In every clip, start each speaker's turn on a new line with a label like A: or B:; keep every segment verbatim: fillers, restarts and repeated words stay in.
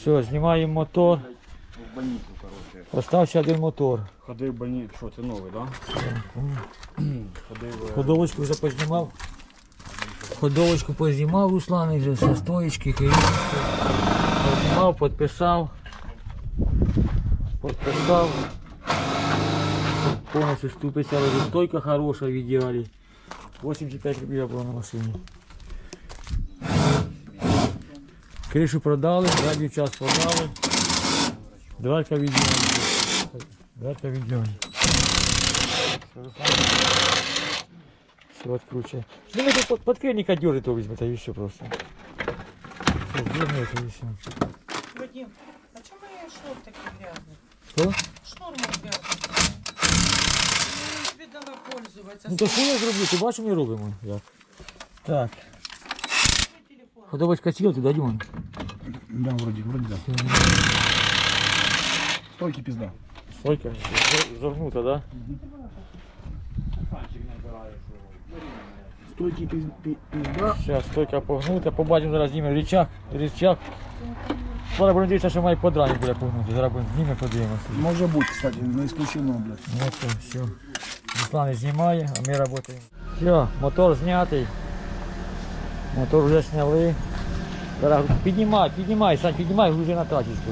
A: Все, знімаємо мотор.
B: В больницу, короче.
A: Остався один мотор.
B: Ходив в больницю, що це новий, так? Да? Ходив...
A: Ходовочку вже познімав. Ходовочку познімав Руслан, вже все, стоїчки, керівки. Познімав, підписав. Підписав. Повністю ступиця, стойка хороша в ідеалі. вісімдесят п'ять рублів було на машині. Кришу продали, задній час продали. Дверка в ідеалі. Дверка в ідеалі. Все откручивай. Ну это под, подкрыльника дёрнет его возьмет, а и все просто. Все, дёрнет и все.
C: Вадим, а чому я шнур такий грязний?
A: Что?
C: Шнур мой грязний. Я тобі дала пользуватися.
A: Ну то що я зроблю? Ти бачиш, ми робимо. Як? Так. Ходовочка сіла туди, Дімон.
B: Да, вроде, вроде да. Стойки пизда.
A: Стойка загнута, да?
B: Стойки пизда.
A: Сейчас, стойка погнута, побачимо зараз знімемо рычаг, рычаг. Зараз будемо дивитися, що має подраник буде погнути. Зараз будемо знімемо, подивимося.
B: Может быть, кстати, не исключено, блядь.
A: Ну то, все. Руслан знімає, а ми працюємо. Все, мотор знятий. Мотор вже зняли. Зараз піднімай, піднімай, Сань, піднімай, грузи на тачечку.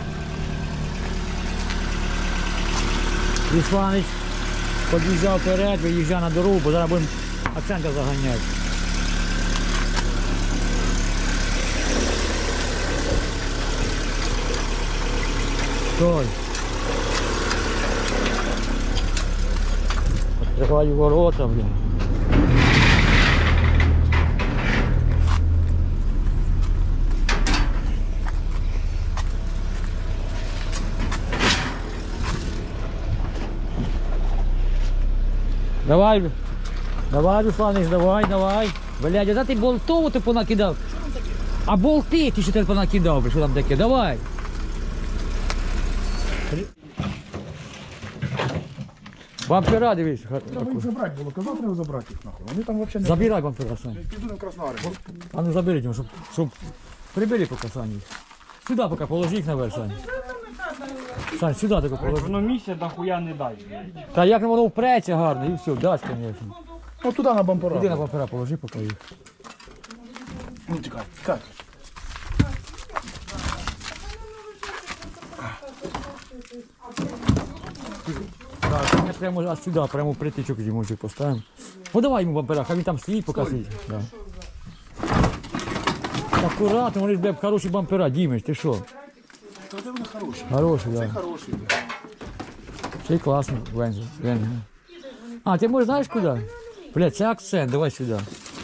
A: Русланич під'їжджав вперед, виїжджав на дорогу, бо зараз будемо акцентів заганяти. Стой. Відкриваю ворота, блін. Давай, давай, Русланич, давай, давай. Блядь, а ти болтову ти понакидав? А болти ти що ти понакидав, що там таке? Давай. Бампера, дивись.
B: Треба їх забрати було, казав, треба забрати їх нахуй. Вони там взагалі не...
A: Забирай бампера, Сань.
B: Піду на Краснодар.
A: А ну заберіть його, щоб, щоб прибери поки, Сань. їх. Сюди поки положи їх наверх, Сань. Сань, сюди таки положи.
B: Воно місця нахуя не дай.
A: Та як воно впреться гарно, і все, дасть, звісно.
B: Ну туди на бампера.
A: Іди на бампера положи поки їх.
B: Ну тікай, тікай.
A: Так, ми прямо аж сюди, прямо притичок йому ще поставимо. Ну давай йому бампера, хай він там стоїть, поки стоїть. Да. Акуратно, вони ж, бля, хороші бампера, Дімич, ти що?
B: Та де вони хороші?
A: Хороші, так.
B: Це
A: Да.
B: хороші, блядь.
A: Це класно, Вензу. Вензу. А, ти можеш знаєш куди? Бля, це акцент, давай сюди.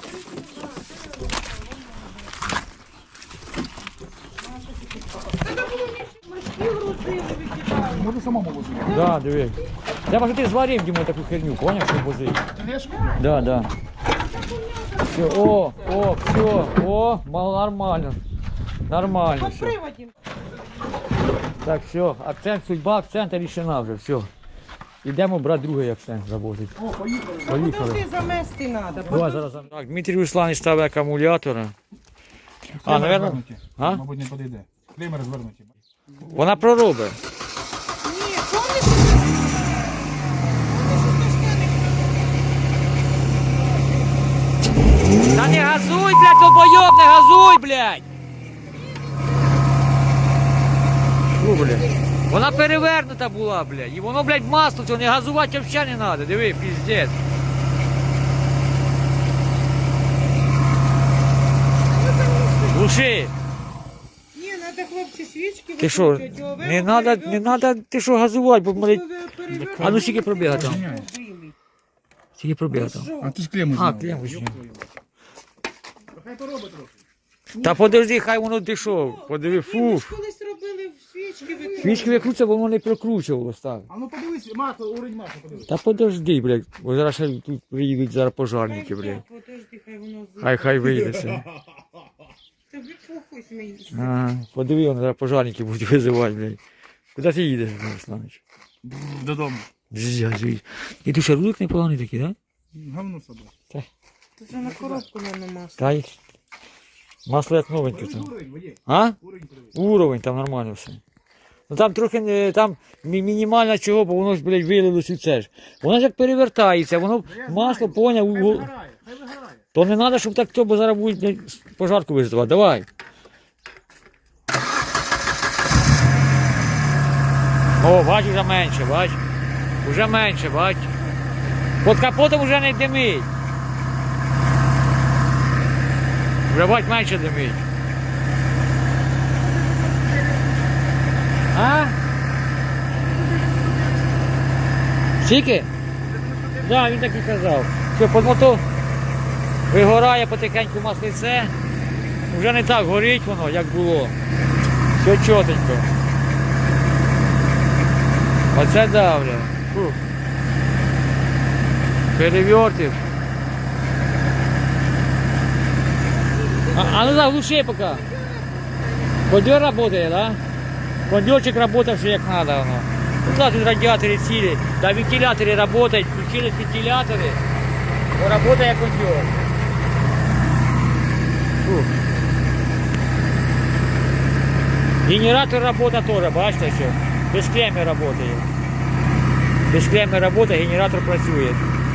B: Може самому возити.
A: Да, диви. Треба, що ти зварив йому таку херню, поняв, щоб возити?
B: Тележку?
A: Да, да. Все, о, о, все, о, мало, нормально. Нормально все.
C: Приводим.
A: Так, все, акцент, судьба акцента рішена вже, все. Ідемо брати другий акцент завозити.
B: О, поїхали.
A: Поїхали.
C: Подожди, замести треба.
A: Давай зараз. Так, Дмитрій Русланович ставить акумулятора. А, наверное, а?
B: Мабуть, не підійде. Клеймер звернуті.
A: Вона проробить.
C: Ні, помниш?
A: Та не газуй, блядь, долбойоб, не газуй, блядь! Фу, блядь. Вона перевернута була, блядь. І воно, блядь, масло, цього не газувати взагалі не треба. Диви, піздець. Глуши.
C: Ні, треба, хлопці, свічки
A: Ти що,
C: викрутять, його
A: не
C: вверх,
A: треба, не
C: перевернуть,
A: треба, ти що газувати, бо, блядь,
C: перевернуть.
A: а ну скільки пробіга там?
C: Білий.
A: Скільки пробіга там?
B: А ти ж клему
A: А,
B: зняв.
A: клем візьми.
B: Хай поробить трохи.
A: Та подожди, хай воно ти що, подиви,
C: Ми
A: фу.
C: ж колись робили свічки викрутять.
A: Свічки викручується, бо воно не прокручувалось так.
B: А ну подивись, масло, уровень масла, подивись.
A: Та подожди, блядь, бо зараз ще тут приїдуть зараз пожарники, блядь.
C: Подожди, хай воно...
A: Хай хай вийде це.
C: Тобі похуй смієшся.
A: Ага, подиви, вони зараз пожарники будуть визивати, блядь. Куди ти їдеш, Русланович?
B: Додому.
A: Зязюй. І тут ще рулик непоганий такий, так?
B: Говно собі.
C: Це вже на коробку не масло.
A: Та й Масло як новеньке там. А? Уровень там нормально все. Ну там трохи не- там мі- мінімально чого, бо воно ж, блядь, вилилось і це ж. Воно ж як перевертається, воно масло поняв. у- То не треба, щоб так хто, бо зараз будуть, блядь, пожарку визивати. Давай. О, бач, вже менше, бач. Уже менше, бач. Під капотом вже не димить. Вже бач, менше димить. А? Скільки? Так, да, він так і казав. Що, під мото вигорає потихеньку маслице. Вже не так горить воно, як було. Все чотенько. Оце давля. Фух. Перевертив. А, а ну заглуши пока. Кондер работает, да? Кондерчик работает все как надо. Оно. Ну да, тут радиаторы цели. Да, вентиляторы работают. Включились вентиляторы. То работает кондер. Фух. Генератор работает тоже, бачите, что? Без клеммы работает. Без клеммы работает, генератор працює.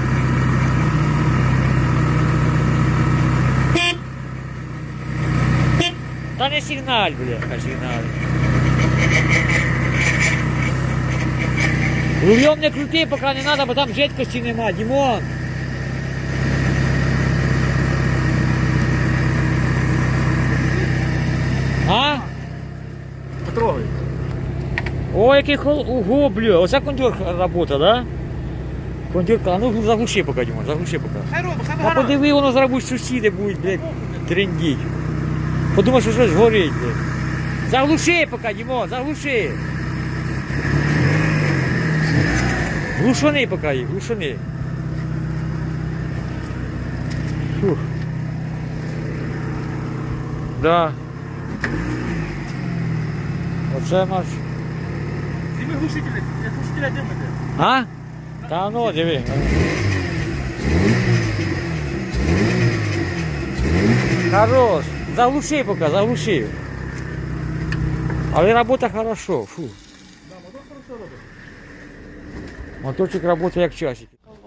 A: Та не сигналь, бля, сигналь. Рулем не крути, поки не треба, бо там жидкості нема, Дімон. А?
B: Потрогай.
A: Ой, який хол... Ого, бля, оце кондер робота, да? Кондерка, а ну заглуши поки, Дімон, заглуши поки.
C: Хай робить, хай
A: А
C: вигорає.
A: подиви, воно зараз будуть сусіди будуть, блядь, трендіть. Подумай, що щось горить, блядь. Заглуши поки, Дімон, заглуши. Глушани поки їх, глушани. Фух. Да. Оце наш.
B: Зніми глушителі, як глушителя димите.
A: А? Та ну, диви. Хорош. Заглуши пока, заглуши. Але робота хорошо. Фу.
B: Да, мотор хорошо робить.
A: Моторчик працює як часик.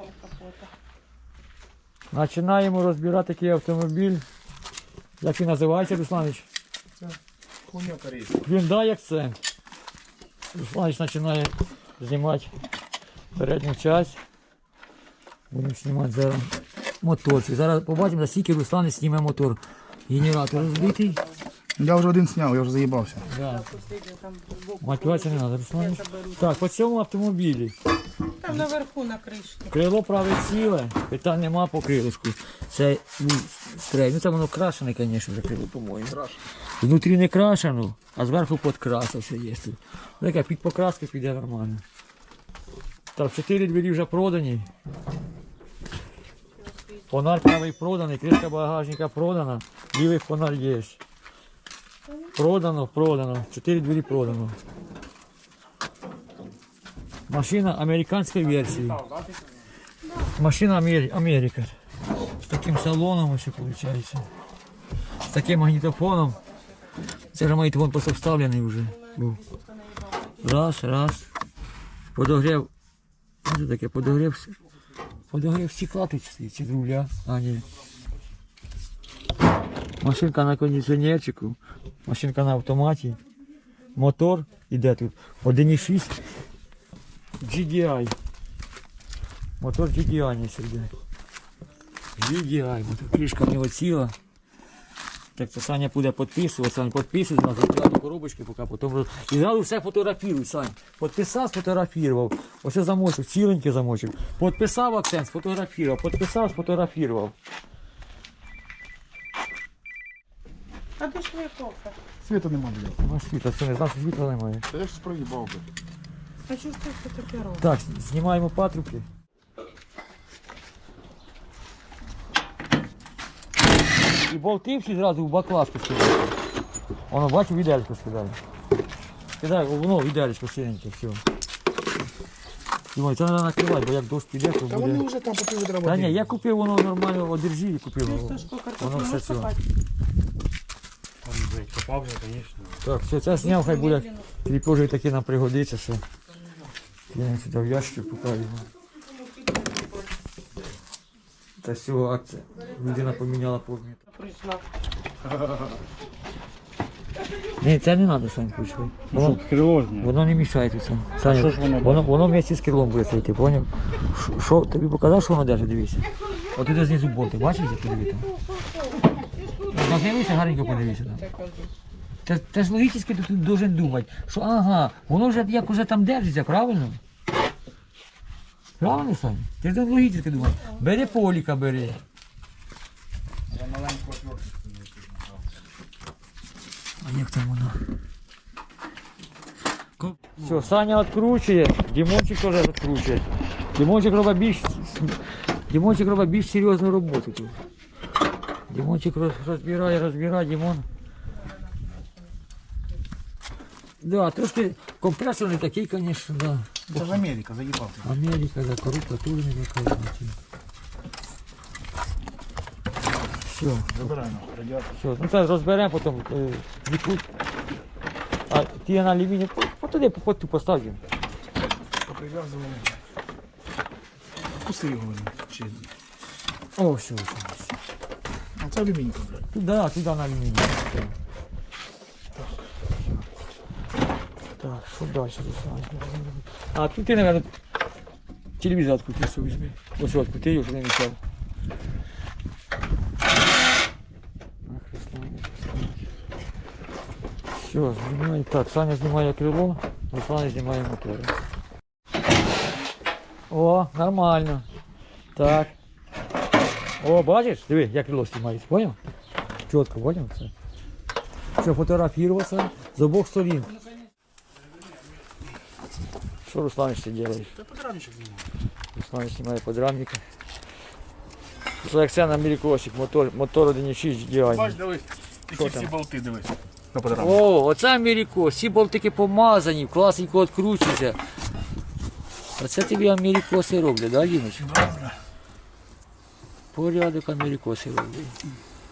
A: Починаємо розбирати такий автомобіль. Як він називається, Русланович?
B: Хуйня корейська.
A: Hyundai Accent. Русланович починає знімати передню часть. Будемо знімати зараз моторчик. Зараз побачимо, за скільки Русланович зніме мотор. Генератор розбитий.
D: Я вже один зняв, я вже заїбався.
A: Да. Мотивація не треба, Русланович. Так, по цьому автомобілі.
C: Там наверху на кришці.
A: Крило праве ціле, питань нема по крилишку. Це ну, стрей. Ну це воно крашене, звісно, вже крило, по-моєму. Внутрі не крашено, а зверху підкраса все є тут. Така під покраски піде нормально. Так, чотири двері вже продані. Фонарь правий проданий, кришка багажника продана, лівий фонарь є. Продано, продано, чотири двері продано. Машина американської версії. Машина Амері... Америка. З таким салоном ось виходить. З таким магнітофоном. Це ж магнітофон просто вставлений вже був. Раз, раз. Подогрів. Що це таке? Подогрів. Подогрів стекла тут стоїть, чи руля. А, ні. Машинка на кондиціонерчику. Машинка на автоматі. Мотор іде тут. один і шість. джі ді ай. Мотор джі ді ай не сюди. джі ді ай. Мотор. Кришка в нього ціла. Так це Саня буде підписувати. Сань, підписуй, нас закривати коробочки, поки потім роз... І зразу все фотографіруй, Сань. Підписав, сфотографував. Ось замочок, ціленький замочок. Підписав акцент, сфотографував. Підписав, сфотографував.
C: А де ж моє кофе?
D: Світу нема, блядь.
A: Ну, світло, це не знав, що світла немає.
D: Та я щось проїбав, блядь.
C: А що ж ти все таке робиш?
A: Так, знімаємо патрубки. І болти всі зразу в баклажку скидають. Воно, бачу, в ідеальку скидаю. Скидаю, воно в ідеальку синеньке, все. Дімой, це треба накривати, бо як дощ піде, то
D: Та вони
A: буде...
D: вже там по пів відра
A: Та
D: води.
A: ні, я купив воно нормально, одержи і купив.
C: Ти
A: Воно,
C: Сашко,
A: воно
C: картоплю
A: все
C: можеш
A: ціле.
C: копати?
B: Попав вже, звісно.
A: Так, все, це зняв, хай буде. Кріпежі таки нам пригодиться, що. Я сюди в ящик покажу його. Це з цього акція. Людина поміняла повністю.
C: Прийшла.
A: Ні, це не треба, Сань, ключовий. Воно,
B: Крило ж не.
A: воно не мішає тут, Сань. Саня,
B: що ж воно
A: воно, воно вместе з крилом буде стояти, поняв? Що- Що, тобі показав, що воно держить, дивися. От туди знизу болти, бачиш, як подиви там? Нахилився, гарненько подивися там. Ти, ти ж логічно ти тут должен думати, що ага, воно вже як уже там держиться, правильно? Правильно, Саня? Ти ж логічно думаєш. Бери поліка, бери.
D: Я маленьку отвертку.
A: А як там воно? Все, Саня відкручує, Дімончик теж відкручує. Дімончик робить більш, Дімончик робить більш серйозну роботу тут. Дімончик роз- розбирає, розбирає, Дімон. Да, трошки компресор не такий, звісно, да.
D: Це ж Америка, заїбав ти.
A: Америка, да, коробка теж не така. Все,
D: Забирай на радіатор.
A: все, ну це розберемо, потім е, відкрут. А ти на алюміній, по- по туди по ту постав їм.
D: Поприв'язували. Вкуси його візьмуть. Чи...
A: О, все, все, все.
D: А це алюмінька, блядь.
A: Туди, туди на алюміній. Все. Так, що далі, Руслан? А тут ти, мабуть, телевізор відкрутив, все візьми. Ось його відкрути, його, щоб не мішав. Ах, Руслан, Руслан. Все, знімає. Так, Саня знімає крило, Руслан знімає мотор. О, нормально. Так. О, бачиш? Диви, як крило знімається, поняв? Чітко, поняв це? Що фотографуватися з обох сторін. Що Руслан ще робиш?
D: Та подрамничок знімав.
A: Руслан знімає подрамника. Це як це на Америкосик, мотор, мотор один і шість джі ді ай.
D: Бач, дивись.
A: Що
D: Які
A: там?
D: всі болти, дивись. На подрамник.
A: О, оце Америкос, всі болтики помазані, класненько відкручуються. Оце тобі Америкоси роблять, да, Дімич?
D: Добре.
A: Порядок Америкоси роблять.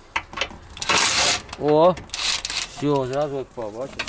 A: О, все, зразу відпав, бачиш?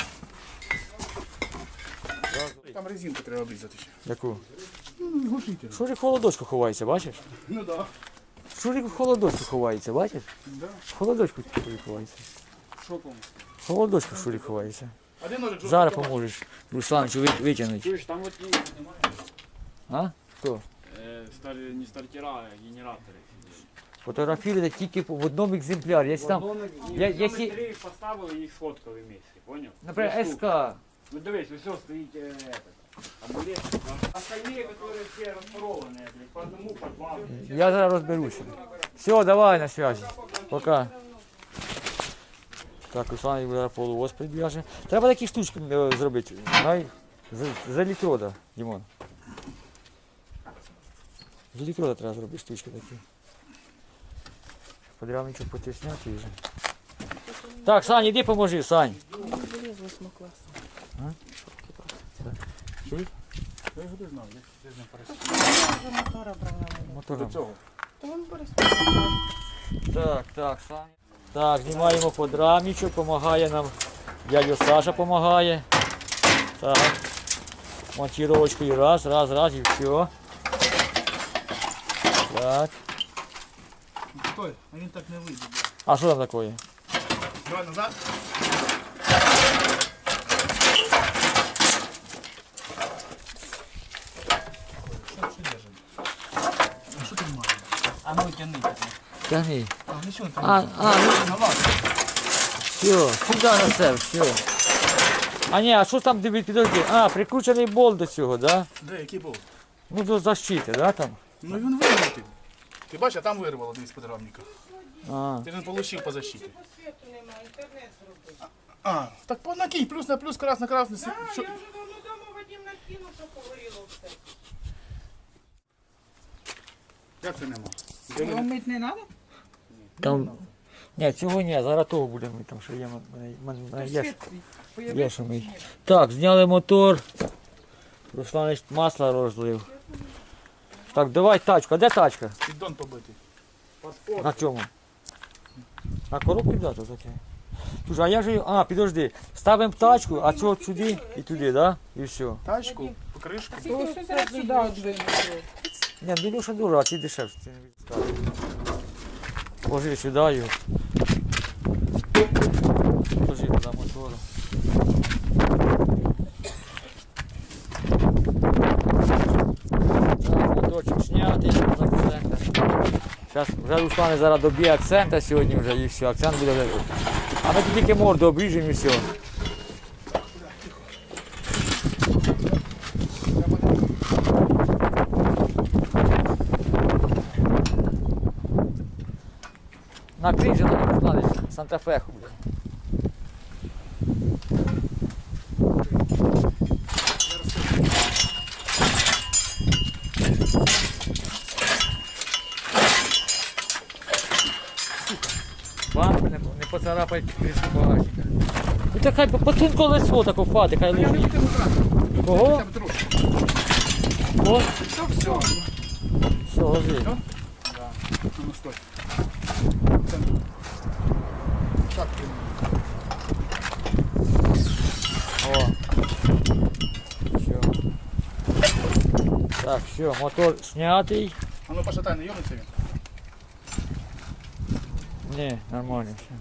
D: Там резинку треба обрізати ще.
A: Яку?
D: Ну, глушитель.
A: Шурик в холодочку ховається, бачиш?
D: Ну да.
A: Шурик в холодочку ховається, бачиш?
D: Да.
A: В холодочку Шурик ховається.
D: Що там?
A: В холодочку Шурик ховається.
D: Один ножик жовтий.
A: Зараз поможеш Русланчу ви- витягнути.
B: Чуєш, там от є, немає.
A: А? Хто?
B: Е, стар, не стартера, а генератори.
A: Фотографіруйте тільки в одному екземплярі. Якщо там, я-
B: я,
A: якщо-
B: три поставили, їх сфоткали вместе, поняв?
A: наприклад,
B: Три штуки.
A: СК.
B: Ну дивись, все стоїть э, этот, амулет. Остальные, которые все распорованные, блядь, по одному, по два.
A: Я зараз розберуся. Все, давай на связі. Пока. Так, Руслан зараз полуос підв'яже. Треба такі штучки е, зробити. Най... З, з електрода, Дімон. З електрода треба зробити штучки такі. Подрявничок потисняти вже. Так, Сань, іди поможи, Сань.
D: Чуєш? Я його не знав, я ж не перестав.
C: Вже мотора брав на мене.
A: Мотором.
D: До цього.
C: То він перестав.
A: Так, так, Саня. Так, знімаємо подрамничок, допомагає нам. Дядя Саша допомагає. Так. Монтировочкою раз, раз, раз і все. Так.
D: Стой, а він так не вийде.
A: А що там таке?
D: Давай назад. Що це держить? А що ти маєш?
B: А ну тяни.
A: Тягни.
D: А, нічого там.
A: А, а, ну,
D: На вас.
A: все, сюди на це, все. А ні, а що там, диви, підожди? А, прикручений болт до цього, да?
D: Де, який був?
A: Ну, до защити, да, там?
D: Ну він вирвав. Ти бачиш, а там вирвало десь подрамника.
A: А,
D: Ти ж не отримав по защиті.
C: Світу немає, інтернет зробив.
D: А, так по накинь, плюс на плюс, крас на красний.
C: Да,
D: Що?
C: я вже давно дома Вадим накинув, що погоріло все.
D: Як це нема?
C: Його мити не треба?
A: там... Ні, цього ні, зараз того будемо, там що є, мене- мене- мене є.
C: Світ
A: Є
C: появився.
A: що ми. Так, зняли мотор. Руслан масло розлив. Так, давай тачку. А де тачка?
D: Піддон побитий.
A: На чому? На коробку да, тут таке. Слушай, а я же. А, підожди. Ставимо тачку, а цього сюди і туди, да? І все.
D: Тачку, покришку.
C: То все сюди одвинути.
A: Ні, ну Ілюша дура, а ці дешевше. Ти не відставиш. Ложи сюди його. Ложи туди мотору. Так, моторчик знятий, на акцента. Зараз вже Руслан зараз доб'є акцента сьогодні вже і все, акцент буде вже. А ми тут тільки морду обріжемо і все. Накрий же на Руслане, Санта-Феху. Банку не, не поцарапай кришку багажника. Ну так хай пацун колесо тако впаде, хай
D: Я не
A: лежить.
D: буду брати.
A: Кого?
D: Хоча б трошки.
A: О,
D: Все, все.
A: все, ложи.
D: Да. Ну, стой. Це- Так,
A: О. Все. Так, все, мотор снятий.
D: а ну пошатай, не йомиться він.
A: Не, нормально все.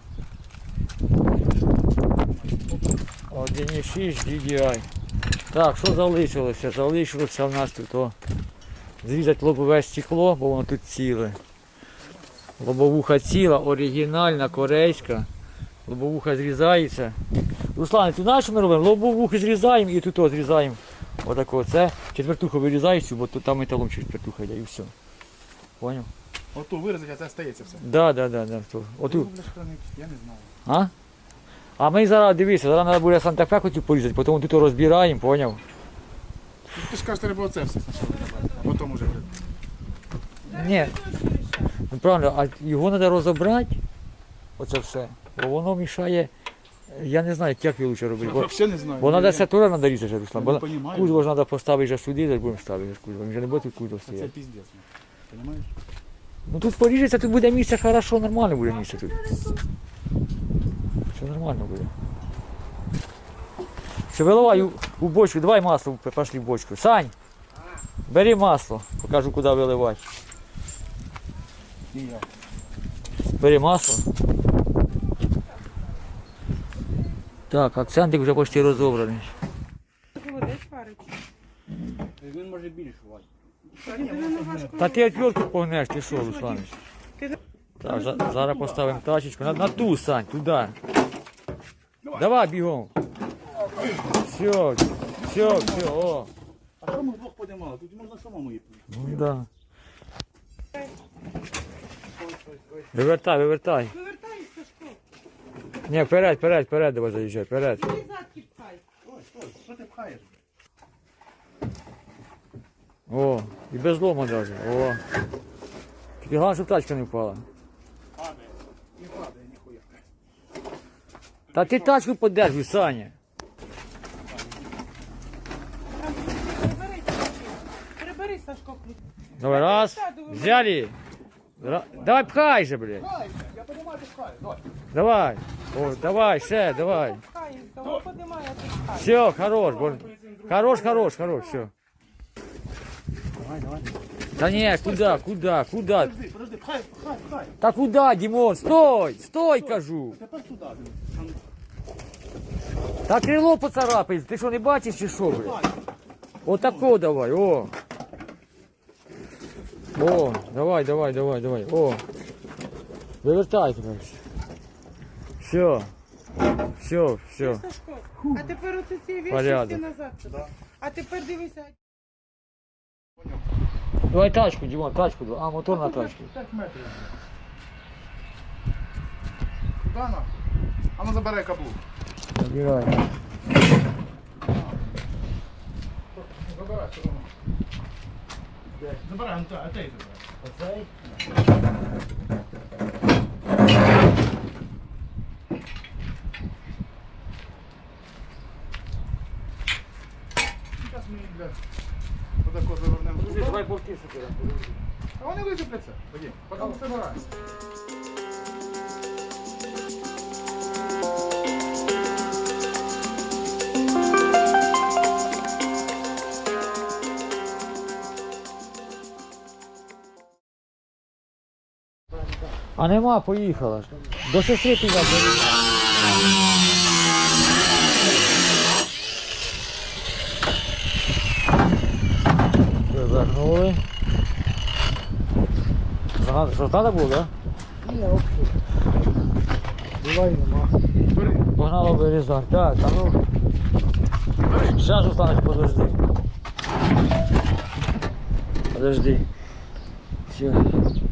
A: один і шість ді ді ай. Так, що залишилося? Залишилося в нас тут о, зрізати лобове стекло, бо воно тут ціле. Лобовуха ціла, оригінальна, корейська. Лобовуха зрізається. Руслан, ти знаєш, що ми робимо? Лобовухи зрізаємо і тут о, зрізаємо. Отако. Це четвертуху вирізаєш, бо тут там металом четвертуха йде і все. Поняв?
D: Оту вирізати, а це стається все.
A: Да, да, да, да. то. Оту.
D: Ну, бля, що не- Я не знаю.
A: А? А ми зараз, дивися, зараз треба буде Санта-Фе хотів порізати, потім тут розбираємо, поняв?
D: Ну, ти ж кажеш, треба оце все спочатку зробити, а потім уже. буде.
A: Ні. Ну правильно, а його треба розібрати, оце все. Бо воно мішає, я не знаю, як його лучше робити.
D: Я
A: Бо,
D: взагалі не знаю.
A: бо
D: Я-
A: треба
D: я-
A: сатура треба різати, Руслан.
D: Я не
A: Бо
D: понімаю.
A: кузов ж треба поставити вже сюди, так будемо ставити кузов. Він вже не буде тут кузов
D: Це
A: стояти.
D: піздець. Понимаєш?
A: Ну тут поріжеться, тут буде місце хорошо, нормально буде місце тут. Все нормально буде. Все, виливай у, у бочку, давай масло, пошли в бочку. Сань, бери масло, покажу, куди виливати.
D: І я.
A: Бери масло. Так, акцентик вже почти розібраний.
C: Холодець варить.
B: Він може більше вати.
A: Та ти отвертку погнеш, ти що, Русланович? Так, за- зараз поставимо тачечку. На, на ту, Сань, туди. Давай бігом. Все, все, все, о.
D: А що ми вдвох подимали? Тут можна самому їхати.
A: Ну да. Вивертай, вивертай.
C: Вивертайся, Сашко.
A: Ні, вперед, вперед, вперед, давай заїжджай, вперед.
C: Ти задки пхай.
D: Ой, стой, що ти пхаєш?
A: О, і без лома навіть. О. Тільки головне, щоб тачка не впала.
D: Падає. Не падає, ніхуя.
A: Та ти тачку подержуй, Саня.
C: Там перебери, Сашко. Перебери, Сашко, ключ.
A: Давай, раз, взяли. Ра- Давай пхай же, блядь.
D: Пхай, я подимаю, ти пхаєш. Давай.
A: Давай. О, давай, ще, давай.
C: Пхай, того подимай, а ти пхай.
A: Все, хорош, бо... Хорош, хорош, хорош, все.
D: Давай, давай.
A: Та ні, куди, куди, куди?
D: Подожди, подожди, пхай, пхай, пхай.
A: Та куди, Дімон? Стой, стой, кажу.
D: Тепер сюди.
A: Та крило поцарапай, ти що не бачиш чи що, блядь? Отако давай, о. О, давай, давай, давай, давай, о. Вивертай тепер. Все. Все, все.
C: Сашко, а тепер оці ці віші
A: Порядок.
C: всі назад. А тепер дивися.
A: Давай тачку, Дімон, тачку. давай. А, мотор на тачку.
D: п'ять метрів. Куди на? А ну забирай каблук.
A: Забирай.
D: Забирай, все одно. Забирай, а ти забирай.
A: Оцей?
D: Зараз ми їх, бля, отако завернемо.
A: Подожди, давай повтіше туди.
D: А вони висипляться. Ходім, потім собираємося.
A: А нема, поїхала ж. До сестри піде. Вернули. Що треба було, так?
D: Ні, взагалі. Була і нема. Бери.
A: Погнало вирізати. Так, а ну. Зараз останеш, подожди. Подожди. Все.